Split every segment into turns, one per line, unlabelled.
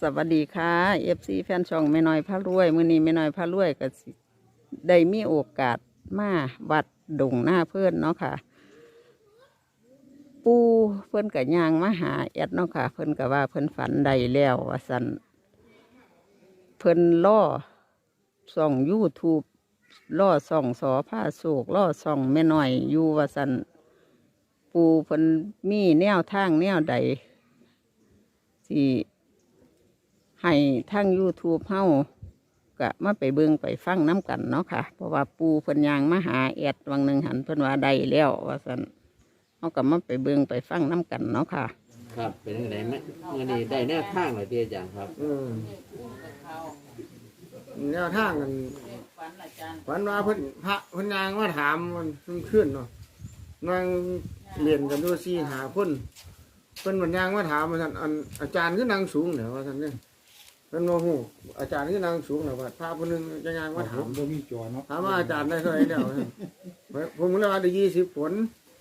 สวัสดีค่ะFC แฟนช่องแม่น้อยพระรวยมื้อนี้แม่น้อยพระรวยก็สิได้มีโอกาสมาวัดดงหน้าเพื่อนเนาะค่ะ ปูเพิ่นก็ย่างมาหาแอดเนาะค่ะเพิ่นก็ว่าเพิ่นฝันได้แล้วว่าซั่นเพิ่นล่อส่อง YouTube ล่อส่องสอผ้าโศกล่อส่องแม่น้อยอยู่ว่าซั่นปูเพิ่นมีแนวทางแนวใดสิให้ทาง YouTube เฮาก็มาไปเบิ่งไปฟังน้ำกันเนาะค่ะเพราะว่าปูเพิ่นย่างมาหาแอดวังหนึ่งหันเพิ่นว่าได้แล้วว่าซั่นเฮาก็มาไปเบิ่งไปฟังน้ำกันเนาะค่ะ
ครับเป็นยังไงไหมเมื่อนี้ได้แนวทางเลยที่อาจารย์ครับ
แนวทางกันฝันว่าเพิ่นพระเพิ่นนางมาถามมันขึ้นเนาะนางเรียนกันดูซี่หาคนเพิ่นมันยางมาถามว่าท่านอาจารย์คือนางสูงเหรอว่าท่านเนี่ยเพิ่นโมโหอาจารย์คือนางสูงเหรอว่าพระคนนึงจะยางมาถาม
บ่มีจอเนาะ
ถามว่าอาจารย์ได้เท่าไหร่แล้วผมเลยว่าได้20 ผล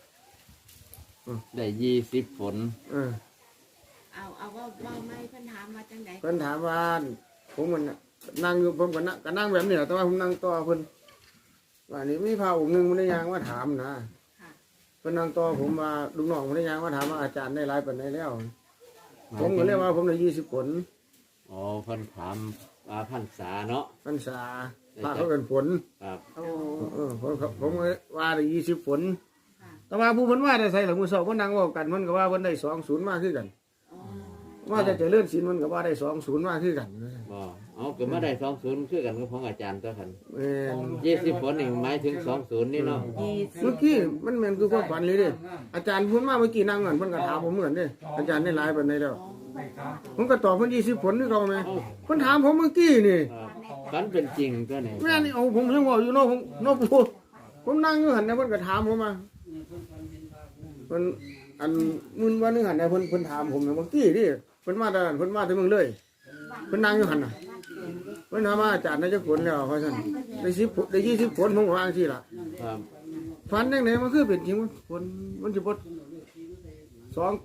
ได้20 ผล
เอาว่าไม่เพิ่นถามมาจังได
เพิ่นถามว่าผมมันน่ะนั่งอยู่ผมก็นั่งแบบนี้แหละแต่ว่าผมนั่งต่อเพิ่นว่านี่มีพระองค์หนึงมันได้ยางมาถามนะ
ค่ะ
เพิ่นนั่งต่อผมว่าลูกน้องมันได้ยางมาถามว่าอาจารย์ได้หลายปานใดแล้ว ผมก็เลยว่าผมได้20 ผล
อ๋อเพิ่นถามว่าพรรษาเนาะ
พรรษาพระเขาเป็นผล
ครับ
ผมก็ว่าได้20 ผล
ค่ะ
แต่ว่าผู้เพิ่นว่าได้ใส่หลังมือสอบเพิ่นนั่งเว้ากันเพิ่นก็ว่าเพิ่นได้20มาคือกัน
อ๋อ
ว่าจะเจริญศีลเพิ่นก็ว่าได้20มาคือกัน
บ่เอาก็มาได้20คือกันกับของอาจารย์ตัวคัน
แม่น
20 ผลนี่หมายถึง20นี่เนาะ
เมื่อกี้มันเหมือนคือความฝันเลยเด้อาจารย์พูดมาเมื่อกี้นั่งกันเพิ่นก็ถามผมเหมือนเด้อาจารย์ได้หลายปานใดแล้วผมก็ตอบเพิ่น20 ผลคือเก่าแม่เพิ่นถามผมเมื่อกี้นี่
ครับฝันเป็นจริงตัวนี้
แม่นี่เอาผมยังบอกอยู่เนาะผมเนาะปู่ผมนั่งอยู่หันนะเพิ่นก็ถามผมมาเพิ่นอันมื้อวันนึงหันนะเพิ่นถามผมนะเมื่อกี้นี่เพิ่นมาแต่เพิ่นมาแต่เมืองเลยเพิ่นนั่งอยู่หันน่ะเพิ่นถามว่าอาจารย์ได้จักผลแล้วว่าซั่นได้10 ผลได้20 ผลผมก็ว่าจังซี่ล่ะ
ครับ
ฝันจังไดมันคือเป็นจริงผลมันสิบ่2802 208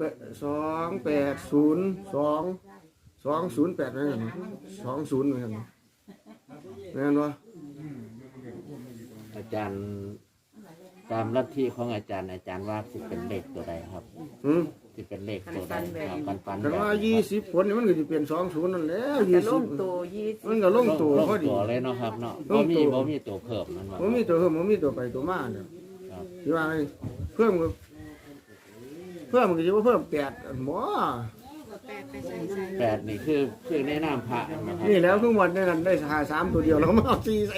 นั่นน่ะ20นั่นน่ะแม่นบ่
อาจารย์ตามลัทธิของอาจารย์ว่าสิเป็นเลขตัวใดครับ
หืม
สิเป็นเลขตัวใดครับปัน
แต่ว่า20 ผลนี่มันก็สิเป็น20นั่นแหล้ว
จะลง
20
ตัว
มันก็ลงตัวพอดี
ตัวเลยเนาะครับเนาะ
ลงตัว
บ่มีตัวเพิ่มนั่นว่า
ผมมีตัวเพิ่มผมมีตัวไปตัวมาเนี่ย
ครับ
ที่ว่าไงเพิ่มก็เพิ่มก็จะว่าเพิ่ม8อันหมอ
แปดไปใส่ใส่
8นี่คือในนามพระนะครับ
นี่แล้วทุกวันเนี่ยกันได้หา3ตัวเดียวแล้วก็มาเอา4ใส่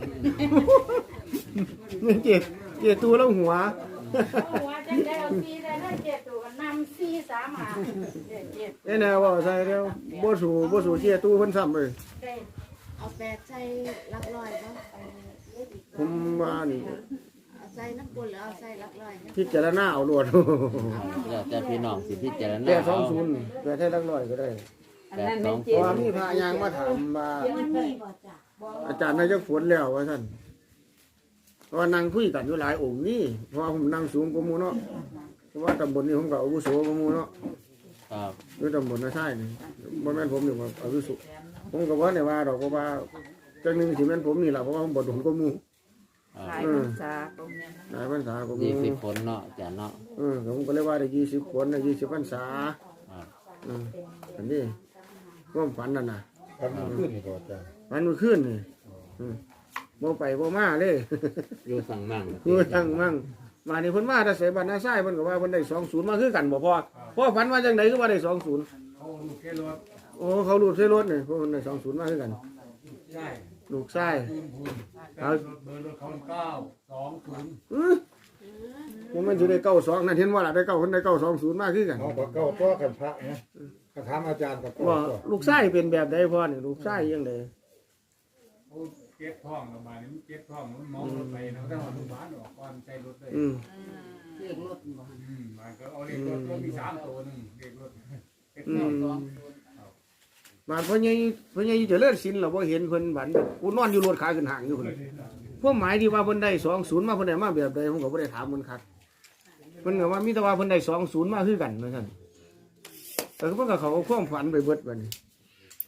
นี่เจ็ดตัวแล้วหัว
ว่าจะได้เอาซีได้ได้เจ็ดตัวกันนำซีสามหาเจ็ด
ไอ้แนวว่าใส่แล้วบ่สู่เจ็ดตัวเพิ่นซ้ำเลย
ได้
เอาแปดใส่หลักร้อยบ่
ผมว่านี่
เอาใส่น้ำปุ่นหรือเอาใส่หลักร้อยนะ
พิจารณาเอาโลด
แล้วแต่พี่น้องสิพิจารณา
แต่
เอา
20แต่ให้ลักร้อยก็ได้
อันนั้นไม่
เพ
เจ็
ราะ
บ
ว่ามีพระยางมาถามว่า
มันมีบ่จ้ะ
อาจารย์นายกฝนแล้วว่าท่านเพราะว่านั่งคุยกันอยู่หลายองค์นี่เพราะว่าผมนั่งสูงกว่าหมูเนาะเพราะว่าตำบลนี้ผมก็อาวุโสกว่าหมูเนาะ
ครับ
ด้วยตำบลนาใช่นี่บ่แม่นผมนี่ว่าอาวุโสผมก็ว่าเนี่ยว่าดอกก็ว่าจังหนึงสิแม่นผมนี่ล่ะเพราะว่าผมบ่โดนกว่าหมู
หลายพรรษาก็มี
หลายพรรษากว่าหมู
20 ผลเนาะอาจารย์เนาะ
ผมก็เลยว่าได้20 คนได้20พรรษา
ครับ
อันนี้ความฝันนั่นน่ะ
ทำขึ้นนี่ก็จ้ะ
ฝันเมื่อคืนนี่บ่ไปบ่มาเลย
อยู่สั่งมั่ง
คือทั้งมั่งมานี่เพิ่นมาแต่ใส่บ้านนาไส้เพิ่นก็ว่าเพิ่นได้20มาคือกันบ่พอฝันว่าจังไดคือว่าได้20
เขาลูกแค่รถ
โอ้เขารูดใส่รถนี่เพิ่นได้20มาคือกัน
ใช่
ลูกชาย
เอาเบอร์รถเขา920
ผมมันสิได้92นั่นเห็นว่าล่ะได้9เพิ่นได้920มาคือกัน
น้องก็เก้าตัวกันพระนะก็ถามอาจารย์กับ
ว่าลูกชายเป็นแบบใดพ่อนี่ลูกชายจังได
โอ้เก็บท้องระบายนี่เก็บท้องมันมองรถไปนะถ้าว่าโรงพยาบาลออกก่อนใส่รถได้
เรียกรถบ่
มันก็เอาเลขรถก็มี3ตัวนึงเลขรถเก็บ
อื
ท้อง
มบาดพ่อใหญ่เจริญศิลป์เราบ่เห็นเพิ่นบัดกูนอนอยู่รถขาขึ้นห่างอยู่พุ่นพวกหมายที่ว่าเพิ่นได้20มาเพิ่นได้มาแบบใดผมก็บ่ได้ถามเพิ่นคักเพิ่นก็ว่ามีแต่ว่าเพิ่นได้20มาคือกันว่าซั่นแต่เพิ่นก็เขาความฝันไปเบิดบัดนี้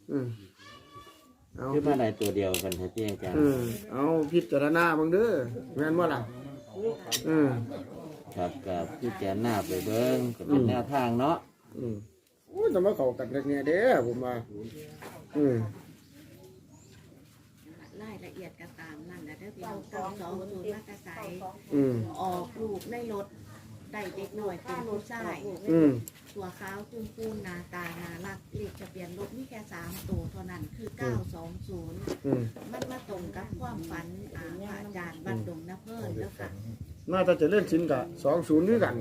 เอา
คือมาในตัวเดียวกันเถอะที่อาจารย์
เอาพิจารณาเบิ่งเด้อแม่นบ่ล่ะอืม
ครับกับพี่แจนหน้าไปเบิ้งก็เป็นแนวทางเนาะ
โอ้ยจะมาเข้ากันเเนี่ยเด้อผมว่า
รายละเอียดก็ตามนั่นนะเด้อพี่น้องเก้าสองศูนย์มากระใส ออกลูกในรถได้เด็กหน่อยเป็นผู้ชายตัวขาวคุ้มคูนหน้าตาน่ารักเลขทะเบียนรถมีแค่3 ตัวเท่านั้นคือ 920 มันมาตรงกับความฝันพระอาจารย์บัดดงนะเพิ่นแล้วค่ะ
น่าจะเล่นสินกับ20ด้วยกัน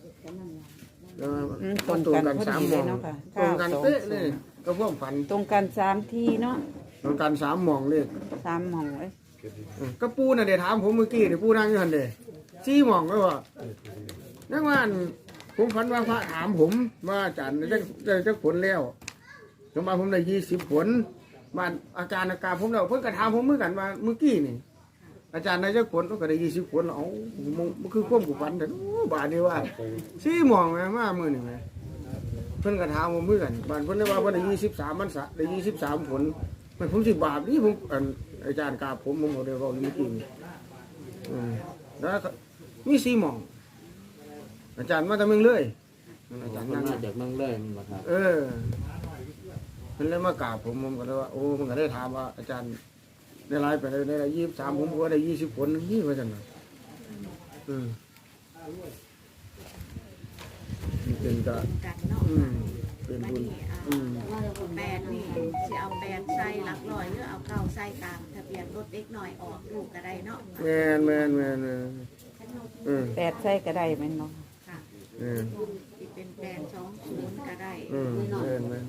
ตรงกัน3หม่องตรงกันเป๊ะเลยก็พวกฝัน
ตรงกัน3ทีเนาะ
ตรงกัน3หม่องเลย
3หม่องเอ้ย
ก็ปูน่ะเดี๋ยวถามผมเมื่อกี้เดี๋ยวปูนั่งอยู่หันเด้4หม่องก็ว่านักว่าผมฝันว่าพระถามผมว่าอาจารย์ได้ผลแล้วสมมาผมได้20 ผลบ้านอาการผมแล้วเพิ่นก็ถามผมเหมือนกันว่าเมื่อกี้นี่อาจารย์ได้ผลก็ได้20 ผลเอ้ามันคือความกูฝันแต่บาดนี้ว่า4หม่องแม่มามื้อนึงแม่เพิ่นก็ถามผมเหมือนกันบ้านเพิ่นได้ว่าเพิ่นได้23มันได้23 ผลมันผมสิบาปนี่ผมอาจารย์กราบผมก็ได้เว้าเมื่อกี้แล้วมี4หม่องอาจารย์มาแต่เมืองเลยอาจารย์
มัน
นั่ง
มาจากเมืองเลยมาครับ
เพิ่นเลยมากราบผมก็เลยว่าโอ้มันก็ได้ถามว่าอาจารย์ได้ไลฟ์ไปได้23ผมก็ได้20 ผลนี่ว่าจังได๋เป็นก็
กันเนาะ
เป็น
บัด
บุญ
นี้แปดนี่สิเอา8ใส่หลักร้อยหรือเอา9ใส่ตามทะเบียนรถเด็กหน่อยออกลูกก็ได้เนาะ
แม่น
8ใส่ก็ได้แม่นเนาะ
ค่ะ สิเป็น820ก็ได้
แม่น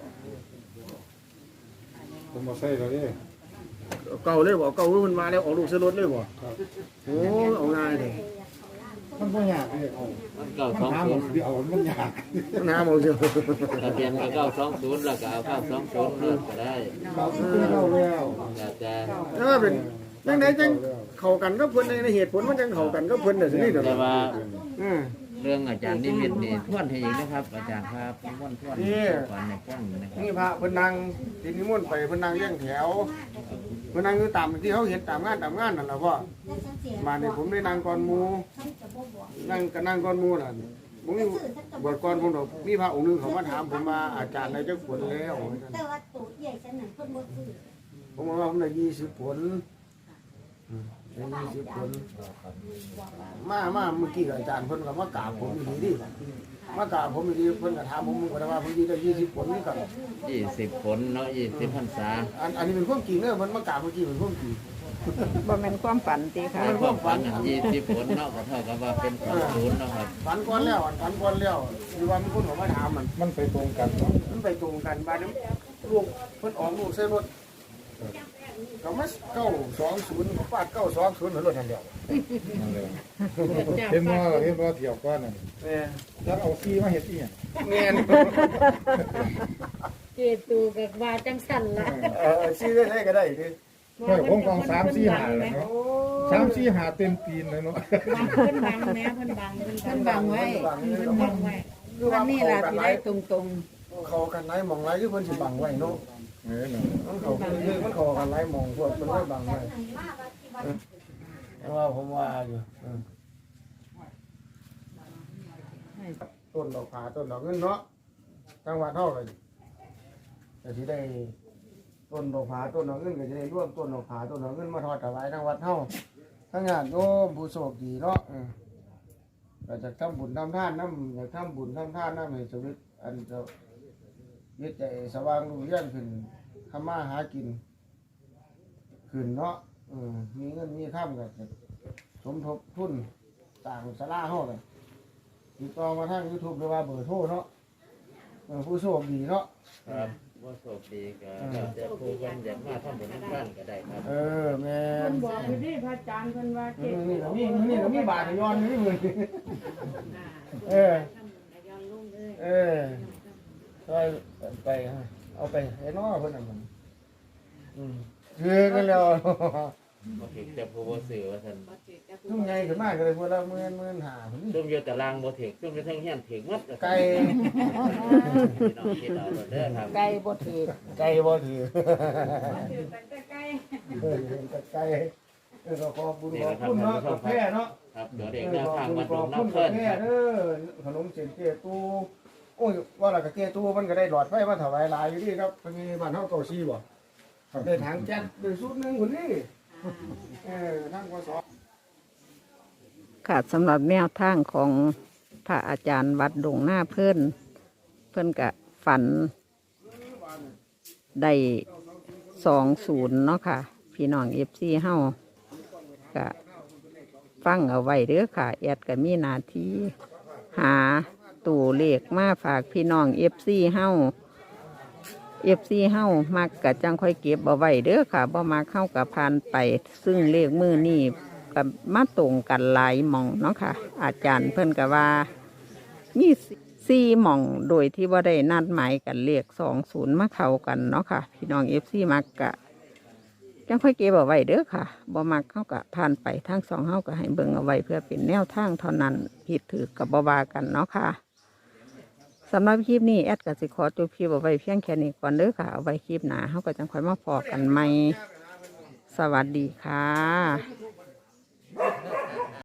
ผมมาใส่แล้วเด้
เก่าเลยบ่เก่ามันมาแล้วออกลูกซื้อรถเลยบ่โอ้เอาง่ายเด้
มันบ่ยากเลยเอา
มันเก้า
มัน
สอง
หา
ศู
หม
น
ด
ย์
เดียวมันยาก
น้ำเอาเสีย
ทะเบียนก็920แล้วก็เอา920เลิกก็ได้
เราซื้อเราแล้ว
อาจารย์
ถ้าเป็นจังไดจังเข้ากันก็เพิ่นในเหตุผลมันจังเข้ากันก็เพิ่นน่ะสินี่เด้อ
แต่ว่า
อือ
เรื่องอาจารย์นิมิตนี่ทวนให้อีกนะครับ อาจารย์ครับทวนฝันในฟังนะครับ
นี่พระเพิ่นนั่งที่นิมนต์ไปเพิ่นนั่งเลี้ยงแถวเพิ่นนั่งอยู่ตามที่เขาเห็นตามงานนั่นล่ะพ่อมานี่ผมได้นั่งก่อนหมู่นั่งก่อนหมู่น่ะผมมีบวชก่อนผมดอกมีพระองค์นึงเขามาถามผมมาอาจารย์ได้จักผลแล้ว
แต่ว่าตัวใหญ่ฉันนั่นเพิ่นบ่ซื้อ
ผมว่าผมได้20 ผลได้20 ผลมาเมื่อกี้อาจารย์เพิ่นก็มากราบผมดีดิมากราบผมดีเพิ่นก็ถามผมก็ว่าผมได้20 ผลนี่กัน
20 ผลเนาะ20พรรษา
อันนี้เป็นความจริงเนอะมันมากราบเมื่อกี้เป็นความจริง
บ่แม่นความฝันติค่ะ
ถ้าความฝัน20 ผลเนาะก็เท่ากับว่าเป็น20เนาะครับ
ฝันก่อนแล้วฝันก่อนแล้วคือว่ามีคนเขามาถามมัน
ไปตรงกันเนาะ
มันไปตรงกันบ้านนี้ลูกเพิ่นออกลูกใส่รถก็มา920เขาฟาด920เหมือนรถนั่นเดียว
นั่นเลยเห็นว่าเที่ยวก้อนนั่น
แม่
แล้วเอาซีมาเฮ็ดอีหยัง
แม่น
เจตูกับว่าจังสั่นละ
ซื้อได้ก็ได้ดิ
ไม่ผมกอง3-4 หาแล้วเนาะ3-4 หาเต็มตีนเลยเนาะ
บางเพิ่นบังแม่เพิ่นบังไว้เพิ่นบังไว้วันนี้ล่ะสิได้ตรง
เขากันไรมองไรคือเพิ่นสิบังไว้เนาะ
เออเนาะ
มันเขาคือมันเขากันไรมองพวกมันไว้บังไว้แต่ว่าผมว่าอยู่ต้นดอกผาต้นดอกเงินเนาะจังหวัดเท่าเลยแต่ที่ได้ต้นดอกผาต้นดอกเงินก็จะได้ร่วมต้นดอกผาต้นดอกเงินมาทอดถวายทางวัดเท่าทั้งงานโยมผู้โชคดีเนาะก็จะทำบุญทำทานน้ำอยากทำบุญทำทานน้ำให้ชีวิตอันจะยึดใจสว่างรุ่งเรืองขึ้นทำมาหากินขึ้นเนาะมีเงินมีข้ามก็จะสมทบทุนต่างสลาห้องเลยติดต่อมาทาง YouTube หรือว่าเบอร์โทรเนาะผู้โชคดีเนาะ
ครับว่าโชคดีก็แล้วแต่ผู้เพิ่นอยากมาทำบุญทำทานก็ได้ครับ
แม่
ๆเพิ่นบอกอยู่ดิพระอาจารย์เพิ่นว่าเจ
นี่ก็มีบาทย้อนนี่มือไปเอาไปให้น้อเพิ่นน่ะมันคือกันแล้ว
บ่ถึกแต่ผู้บ่ซื้อว่าซั่น
บ่ถือกับ
ซุ่มใหญ่ขึ้นมากเลยพวกละ10,000 5,000นี่
ซุ่มอยู่ตารางบ่ถึกซุ่มอยู่เทั้งเฮียนถึกหมด
ไก่
พี่น้องคิดเอาเด้อครับ
ไก่บ่ถือ
ไก่บ่ถือ
ถือแต่ใกล้
ไก่ก็ขอบคุณ
ขอบคุณเนาะกาแฟเนาะ
ครับเดี๋ยวเด็กแนวทางมา
ข
ดู
อบคุณ
น้ำเพิ่น
แม่
ครับ
เด้อขนมเส้นเตี้ยตู้โอ้ยว่าและก็เตี้ยตู้มันก็ได้หลอดไฟมาถวายหลายอยู่ดีครับมันมีบ้านเฮาเก่าซีบ่ได้ถังแก๊สได้สุดนึงคนนี้ทางกส
ค่ะสำหรับแนวทางของพระอาจารย์วัดดงหน้าเพิ่นกะฝันได้20เนาะค่ะ พี่น้องFCเฮากะฟังเอาไว้เด้อค่ะแอดก็มีหน้าที่หาตัวเลขมาฝากพี่น้องFCเฮามักกะจังค่อยเก็บเอาไว้เด้อค่ะบ่มักเข้ากับผ่านไปซึ่งเลขมือนี่กับมาตรงกันหลายหม่องเนาะค่ะ อาจารย์เพิ่นก็ว่ามี4หม่องโดยที่ว่าได้นัดหมายกันเลข20มาเข้ากันเนาะค่ะ พี่น้องFCมักกะจังค่อยเก็บเอาไว้เด้อค่ะบ่มักเข้ากับผ่านไปทั้งสองเฮาก็ให้เบิ่งเอาไว้เพื่อเป็นแนวทางเท่านั้นผิดถือกับบ่ว่ากันเนาะค่ะสำหรับคลิปนี้แอดก็สิขอจบคลิปเอาไว้เพียงแค่นี้ก่อนเด้อค่ะเอาไว้คลิปหน้าเฮาก็จังค่อยมาพอกันใหม่สวัสดีค่ะ